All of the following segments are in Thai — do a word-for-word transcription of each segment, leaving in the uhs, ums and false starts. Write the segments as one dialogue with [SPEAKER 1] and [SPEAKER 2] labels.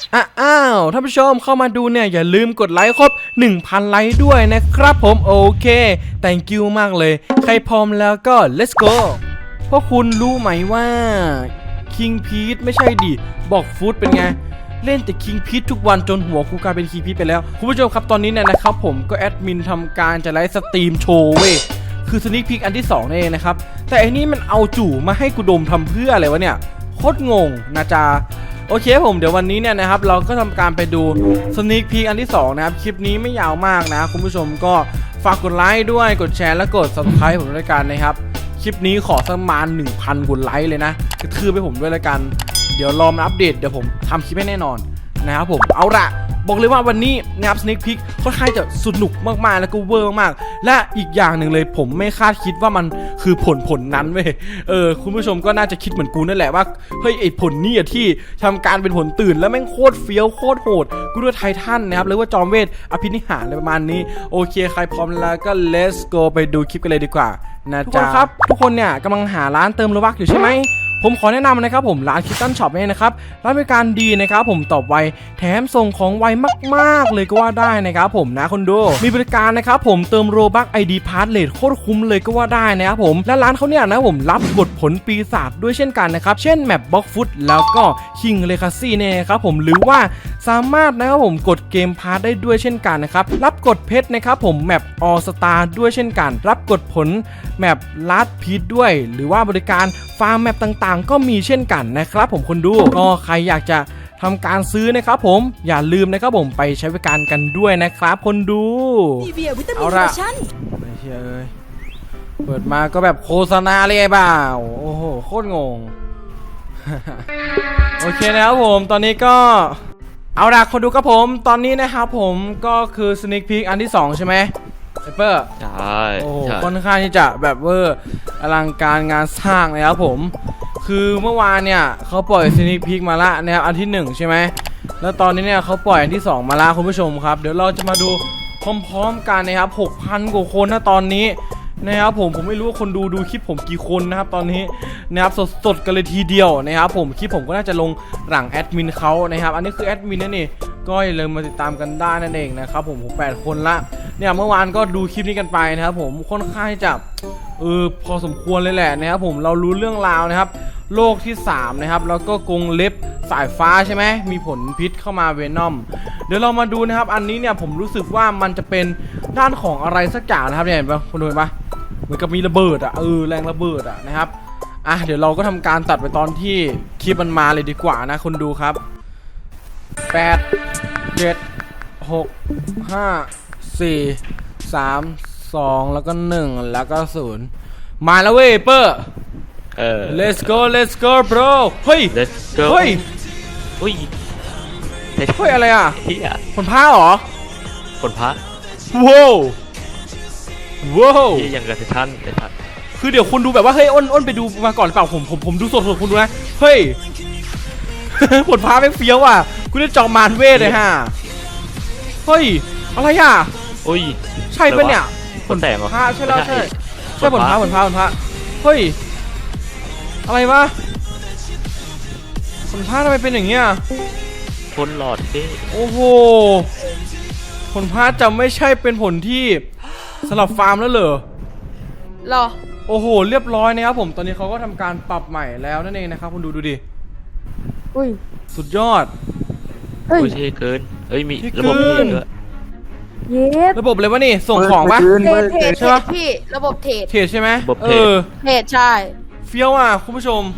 [SPEAKER 1] อ้าวท่านผู้ชมเข้ามาดูเนี่ยอย่าลืมกดไลค์ครบ หนึ่งพัน ไลค์ด้วยนะครับผมโอเค thank you มากเลยใครพร้อมแล้วก็ let's go พวกคุณรู้ไหมว่า King Pete ไม่ใช่ดิบอกฟูดเป็นไงเล่นแต่ King Pete ทุกวันจนหัวกูกลายเป็น King Pete ไปแล้วคุณผู้ชมครับตอนนี้เนี่ยนะครับผมก็แอดมินทำการจะไลฟ์สตรีมโชว์เว้ยคือสนิคพิกอันที่สองนั่นเองนะครับแต่อันนี้มันเอาจู่มาให้กูดมทำเพื่ออะไรวะเนี่ยโคตรงงนะจ๊ะโอเคผมเดี๋ยววันนี้เนี่ยนะครับเราก็ทำการไปดูสนิคพิกอันที่สองนะครับคลิปนี้ไม่ยาวมากนะคุณผู้ชมก็ฝากกดไลค์ด้วยกดแชร์และกด ซับสไครบ์ ผมด้วยกันนะครับคลิปนี้ขอสักประมาณ หนึ่งพัน กดไลค์เลยนะกระทืบให้ผมด้วยละกันเดี๋ยวรอมาอัปเดตเดี๋ยวผมทำคลิปให้แน่นอนนะครับผมเอาละบอกเลยว่าวันนี้นะครับสเนคพิกค่อนข้างจะสนุกมากๆแล้วก็เวอร์มากและอีกอย่างหนึ่งเลยผมไม่คาดคิดว่ามันคือผลผลนั้นเว้ยเออคุณผู้ชมก็น่าจะคิดเหมือนกูนั่นแหละว่าเฮ้ยไอผลนี่อะที่ทำการเป็นผลตื่นแล้วแม่งโคตรเฟี้ยวโคตรโหดกูด้วยไททันนะครับหรือว่าจอมเวทอภินิหารอะไรประมาณนี้โอเคใครพร้อมแล้วก็ let's go ไปดูคลิปกันเลยดีกว่านะจ๊ะทุกคนครับทุกคนเนี่ยกำลังหาร้านเติมโลบัคอยู่ใช่ไหมผมขอแนะนำนะครับผมร้านคิตตันช็อปเนี่ยนะครับร้านบริการดีนะครับผมตอบไวแถมส่งของไวมากๆเลยก็ว่าได้นะครับผมนะคนดูมีบริการนะครับผมเติมโรบัค ไอ ดี พาสเลทโคตรคุ้มเลยก็ว่าได้นะครับผมและร้านเขาเนี่ยนะผมรับกดผลปีศาจด้วยเช่นกันนะครับเช่นแมปบล็อกฟุตแล้วก็คิงเลคาซี่เนี่ยครับผมหรือว่าสามารถนะครับผมกดเกมพาสได้ด้วยเช่นกันนะครับรับกดเพชรนะครับผมแมปออสตาด้วยเช่นกันรับกดผลแมปลาดพีทด้วยหรือว่าบริการฟาร์มแมปต่างๆก็มีเช่นกันนะครับผมคนดูก็ใครอยากจะทำการซื้อนะครับผมอย่าลืมนะครับผมไปใช้บริการกันด้วยนะครับคนดูเอาละไม่เชื่อเลยเปิดมาก็แบบโฆษณาเลยไอ้บ่าวโอ้โหโคตรงง โอเคนะครับผมตอนนี้ก็เอาละคนดูครับผมตอนนี้นะครับผมก็คือสนิคพีคอันที่สองใช่ไหมไอเปอร์
[SPEAKER 2] ใช่
[SPEAKER 1] โอ้ค่อนข้างที่จะแบบเวอร์อลังการงานสร้างเลยครับผมคือเมื่อวานเนี่ยเขาปล่อยสนิคพีคมาละนะครับอันที่หนึ่งใช่ไหมแล้วตอนนี้เนี่ยเขาปล่อยอันที่สองมาละคุณผู้ชมครับเดี๋ยวเราจะมาดูพร้อมๆกันนะครับ หกพัน กว่าคนนะตอนนี้นะครับผมผมไม่รู้ว่าคนดูดูคลิปผมกี่คนนะครับตอนนี้นะครับสดๆกันเลยทีเดียวนะครับผมคลิปผมก็น่าจะลงหลังแอดมินเขานะครับอันนี้คือแอดมินนั่นเองก็อย่าลืมมาติดตามกันได้นั่นเองนะครับผมผมแปดคนละเนี่ยเมื่อวานก็ดูคลิปนี้กันไปนะครับผมค่อนข้างจะเออพอสมควรเลยแหละนะครับผมเรารู้เรื่องราวนะครับโลกที่สามนะครับแล้วก็กรงเล็บสายฟ้าใช่ไหมมีผลพิษเข้ามาเวนอมเดี๋ยวเรามาดูนะครับอันนี้เนี่ยผมรู้สึกว่ามันจะเป็นด้านของอะไรสักอย่างนะครับเนี่ยเห็นปะคุณดูเห็นปะเหมือนกับมีระเบิดอ่ะเออแรงระเบิดอ่ะนะครับอ่ะเดี๋ยวเราก็ทำการตัดไปตอนที่คลิปมันมาเลยดีกว่านะคนดูครับแปดเจ็ดหกห้าสี่สามสองแล้วก็หนึ่งแล้วก็ศูนย์มาแล้วเว้ยเปอร์
[SPEAKER 2] เออ
[SPEAKER 1] let's go let's go bro เฮ้ย
[SPEAKER 2] let's go
[SPEAKER 1] เฮ้ย
[SPEAKER 2] อุ้ย
[SPEAKER 1] เฮ้ยอะไรอ่ะผลพ้าเหรอ
[SPEAKER 2] ผลพ้า
[SPEAKER 1] ว้าวว้าว
[SPEAKER 2] ที่ยังกับเซชันเซชัน
[SPEAKER 1] คือเดี๋ยวคุณดูแบบว่าเฮ้ยอ้นอ้นไปดูมาก่อนหรือเปล่าผมผมผมดูสดๆคุณดูนะเฮ้ย ผลพ้าไม่เฟี้ยวอ่ะกูได้จอมมารเวทเลยฮะเฮ้ยอะไรอ่ะ
[SPEAKER 2] อุ้ย
[SPEAKER 1] ใช่ปะเนี่ย
[SPEAKER 2] ผลแตกเหรอ
[SPEAKER 1] ใช่ใช่แล้วใช่ใช่ผลพ้าผลพ้าผลพ้าเฮ้ยอะไรวะผลพ้าทำไมเป็นอย่างเงี้ย
[SPEAKER 2] ผลหลอดเด้
[SPEAKER 1] โอ้โหผลพ้าจะไม่ใช่เป็นผลที่สำหรับฟาร์มแล้วเหรอ
[SPEAKER 3] หรอ
[SPEAKER 1] โอ้โหเรียบร้อยนะครับผมตอนนี้เขาก็ทำการปรับใหม่แล้วนั่นเองนะครับคุณดูดูดิ
[SPEAKER 3] อุ้ย
[SPEAKER 1] สุดยอด
[SPEAKER 2] เฮ้ยเกินเฮ้ยมีระบบเทรดด้วย
[SPEAKER 3] เย็ด
[SPEAKER 1] ระบบเลยวะนี่ส่งของปะ
[SPEAKER 3] เทรดใช่ปะพี่ระบบเทรด
[SPEAKER 1] เทรดใช่ไหม
[SPEAKER 2] เออ
[SPEAKER 3] เทรดใช่
[SPEAKER 1] เฟี้ยวอ่ะคุณผู้ชม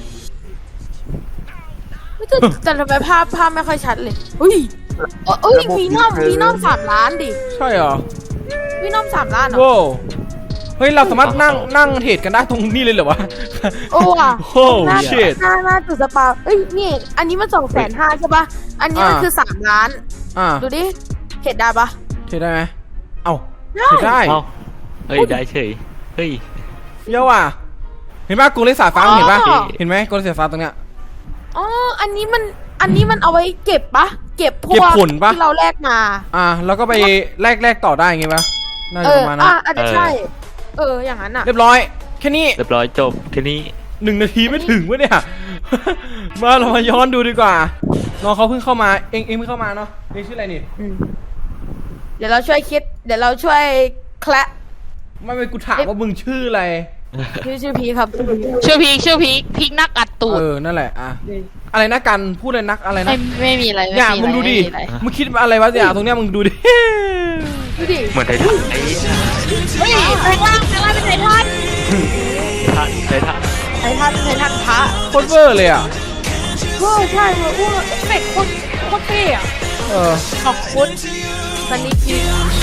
[SPEAKER 3] แต่แต่ทำไมภาพภาพไม่ค่อยชัดเลยอุ้ยเอ้ยวีนอมวีนอมสามล้านดิ
[SPEAKER 1] ใช่เหรอ
[SPEAKER 3] วีนอมสามล้านเหรอ
[SPEAKER 1] โว้เฮ้ยเราสามารถนั่งนั่งเทรดกันได้ตรงนี้เลยเหรอวะ
[SPEAKER 3] โอ้ว่ะ
[SPEAKER 1] โอ้เชิด
[SPEAKER 3] หน้าหน้าจุดสปาเอ้ยนี่อันนี้มันสองแสนห้าใช่ปะอันนี้มันคือสามล้าน
[SPEAKER 1] อ่า
[SPEAKER 3] ดูดิเทรดได้ปะ
[SPEAKER 1] เทรดได้ไหมเอ้าเทรดได้
[SPEAKER 2] เฮ้ยได้เฉยเฮ้ย
[SPEAKER 1] เฟี้ยวอ่ะเห็นปะกรงเล็บสายฟ้าเห็นปะเห็นไหมกรงเล็บสายฟ้าตรงเนี้ย
[SPEAKER 3] อ๋ออันนี้มันอันนี้มันเอาไว้เก็บปะเก็บพวกที่เราแลกมา
[SPEAKER 1] อ่าแล้วก็ไปแลกแลกต่อได้ไงปะน่าจะประมาณนั้น
[SPEAKER 3] อ่าอาจจะใช่เอออย่างนั้นอ่ะ
[SPEAKER 1] เรียบร้อยแค่นี้
[SPEAKER 2] เรียบร้อยจบแค่นี้
[SPEAKER 1] หนึ่งนาทีไม่ถึงวะเนี่ยมาเรามาย้อนดูดีกว่าน้องเขาเพิ่งเข้ามาเองเองเพิ่งเข้ามาเนาะเองชื่ออะไรนี่
[SPEAKER 3] อืมเดี๋ยวเราช่วยคิด เดี๋ยวเราช่วยแคละ
[SPEAKER 1] ไม่ไม่กูถามว่ามึงชื่ออะไร
[SPEAKER 3] ชื่อชื่อพีครับ
[SPEAKER 4] ชื่อพีคชื่อพีคพีคนักอัดตูด
[SPEAKER 1] เออนั่นแหละอ่ะอะไรนะกันพูดเลยนักอะไร
[SPEAKER 4] ไม่
[SPEAKER 1] นะ
[SPEAKER 4] ไม่มีอะไรไม่
[SPEAKER 1] อย่า
[SPEAKER 4] มี
[SPEAKER 1] มึง
[SPEAKER 4] อะไร
[SPEAKER 1] ดูดิ
[SPEAKER 4] ไม่มีอะไร
[SPEAKER 1] มึงคิดอะไรวะเนี่ยตรงเนี้ยมึงดูดิ
[SPEAKER 3] ดูดิ
[SPEAKER 2] เหมือนไททันไอ้
[SPEAKER 3] เฮ้ยแปลงร่างแปลงร่างเป็นไททัน
[SPEAKER 2] ไททันไททัน
[SPEAKER 3] ไททันไททันพระ
[SPEAKER 1] โคตรเวอร์เลยอ่ะ
[SPEAKER 3] เออใช่เออเออเอฟเฟกต์โคตรโคตรเท่อะ
[SPEAKER 1] เออ
[SPEAKER 3] ขอบคุณซันนี่พี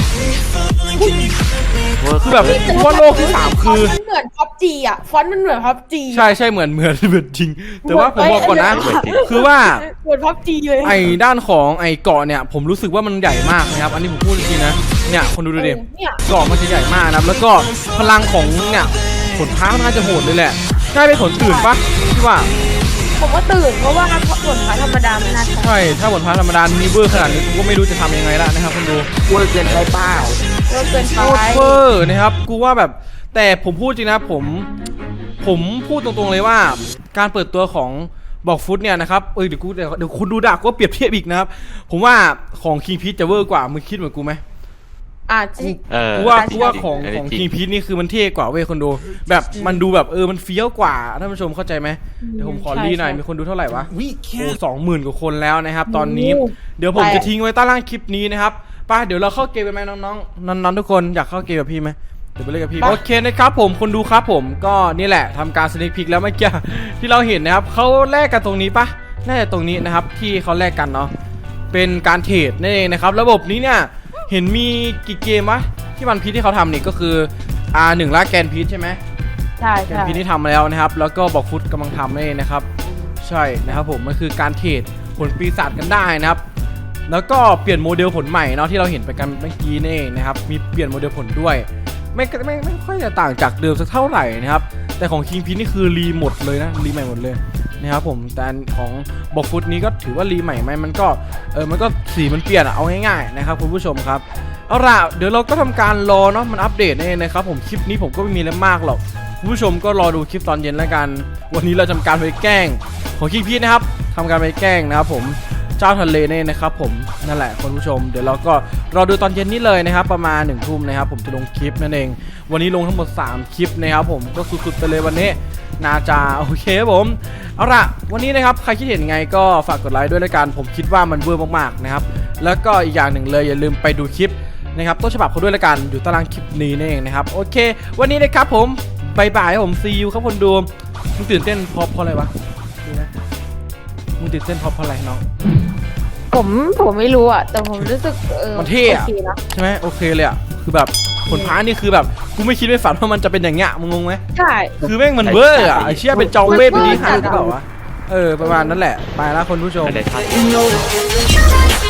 [SPEAKER 2] เวิร์ก
[SPEAKER 1] คือแบบกูว่าโลกที่สามคือ
[SPEAKER 3] มันเหมือนพับจีอะฟอนต์มันเหมือนพับจี
[SPEAKER 1] ใช่ใช่เหมือนเหมือนเหมือนจริง แต่ว่าผมบอกก่อนนะ คือว่า
[SPEAKER 3] เหมือนพับจีเลย
[SPEAKER 1] ไอ้ด้านของไอ้เกาะเนี่ยผมรู้สึกว่ามันใหญ่มากนะครับ อันนี้ผมพูดจริงๆนะเนี่ยคนดูดูดิ
[SPEAKER 3] เนี่ย
[SPEAKER 1] เกาะมันจะใหญ่มากนะครับแล้วก็พลังของเนี่ยผลพ้ามันน่าจะโหดเลยแหละใช่เป็นผลตื่นปะที่ว่า
[SPEAKER 3] ผมก็ตื่นเพราะว่าส่วนพระธรรมดาไม่น่าใช่
[SPEAKER 1] ใช่ถ้าผลพ้าธรรมดามีเวอร์ขนาดนี้กูก็ไม่รู้จะทำยังไงละนะครับคุณดู
[SPEAKER 2] เวิร์กเกินไปเปล่า
[SPEAKER 3] เลิกเกิน
[SPEAKER 1] โค
[SPEAKER 3] ไป
[SPEAKER 1] ตรเวอร์นะครับกูว่าแบบแต่ผมพูดจริงนะผมผมพูดตรงๆเลยว่าการเปิดตัวของบอกฟุตเนี่ยนะครับเอ้ยเดี๋ยวกูเดี๋ยวเดี๋ยวคุณดูด่ากูว่าเปรียบเทียบอีกนะครับผมว่าของคิงพีชจะเวอร์กว่ามึงคิดเหมือนกูไหม
[SPEAKER 3] อ่ะจริง
[SPEAKER 2] เออ
[SPEAKER 1] กูว่า
[SPEAKER 3] ใช่
[SPEAKER 1] กูว่าของ
[SPEAKER 2] อันนี้
[SPEAKER 1] ของ
[SPEAKER 2] จริง
[SPEAKER 1] คิงพีชนี่คือมันเท่กว่าเว้ยคนดูแบบมันดูแบบเออมันเฟี้ยวกว่าท่านผู้ชมเข้าใจไหมเดี๋ยวผมขอรีหน่อยมีคนดูเท่าไหร่วะโอ้สองหมื่นกว่าคนแล้วนะครับตอนนี้เดี๋ยวผมจะทิ้งไว้ใต้ล่างคลิปนี้นะครับไป้าเดี๋ยวเราเข้าเกมไปไหมน้องๆน้องๆทุกคนอยากเข้าเกมกับพี่ไหมเดี๋ยวไปเล่นกับพี่โอเคนะครับผมคนดูครับผมก็นี่แหละทำการสเน็กพิกแล้วเมื่อกี้ที่เราเห็นนะครับเขาแลกกันตรงนี้ปะน่าจะตรงนี้นะครับที่เขาแลกกันเนาะเป็นการเทรดนั่นเองนะครับระบบนี้เนี่ยเห็นมีกี่เกมวะที่วันพีชที่เขาทำนี่ก็คือ อาร์ หนึ่ง ล่าแกนพีชใช่ไหม
[SPEAKER 3] ใช่
[SPEAKER 1] แกน
[SPEAKER 3] ใช่
[SPEAKER 1] พีชที่ทำมาแล้วนะครับแล้วก็บอกฟุตกำลังทำนั่นเองนะครับใช่นะครับผมมันคือการเทรดผลปีศาจกันได้นะครับแล้วก็เปลี่ยนโมเดลผลใหม่เนาะที่เราเห็นไปกันเมื่อกี้นี่เองนะครับมีเปลี่ยนโมเดลผลด้วยไม่ไม่ไม่ค่อยจะต่างจากเดิมสักเท่าไหร่นะครับแต่ของคิงพีชนี่คือรีหมดเลยนะรีใหม่หมดเลยนะครับผมแต่ของบอกฟุตนี้ก็ถือว่ารีใหม่ไหมมันก็เออมันก็สีมันเปลี่ยนอะเอาง่ายๆนะครับคุณผู้ชมครับเอาล่ะเดี๋ยวเราก็ทำการรอเนาะมันอัปเดตนั่นเองนะครับผมคลิปนี้ผมก็ไม่มีอะไรมากหรอกคุณผู้ชมก็รอดูคลิปตอนเย็นแล้วกันวันนี้เราทำการไปแกล้งของคิงพีชนะครับทำการไปแกล้งนะครับผมเจ้าทะเลเนี่ยนะครับผมนั่นแหละคุณผู้ชมเดี๋ยวเราก็รอดูตอนเย็นนี้เลยนะครับประมาณหนึ่งทุ่มนะครับผมจะลงคลิปนั่นเองวันนี้ลงทั้งหมดสามคลิปนะครับผมก็สุดๆไปเลยวันนี้นาจาโอเคครับผมเอาล่ะวันนี้นะครับใครคิดเห็นไงก็ฝากกดไลค์ด้วยละกันผมคิดว่ามันเวอร์มากๆนะครับแล้วก็อีกอย่างหนึ่งเลยอย่าลืมไปดูคลิปนะครับต้นฉบับเขาด้วยละกันอยู่ตารางคลิปนี้นี่เองนะครับโอเค วันนี้นะครับผมบายบายผมซีอูครับคนดูมึงตื่นเต้นเพราะเพราะอะไรวะดูนะมึงตื่นเต้นเพราะเพราะอะไรน้อง
[SPEAKER 3] ผมผมไม่รู้อ่ะแต่ผมรู้สึกเออ
[SPEAKER 1] มันเท่อะ
[SPEAKER 3] โอเคนะ
[SPEAKER 1] ใช่ไหมโอเคเลยอ่ะคือแบบผลพ้านี่คือแบบกูไม่คิดไม่ฝันว่ามันจะเป็นอย่างเงี้ยมึงงงไหม
[SPEAKER 3] ใช่
[SPEAKER 1] คือแม่งมันเวอร์อ่ะไอเชี่ยเป็นจอมเวทเป็นดีฮาร์ดหรือเปล่าวะเออประมาณนั้นแหละไปแล้วคนผู้ชม
[SPEAKER 2] ไททัน
[SPEAKER 5] You know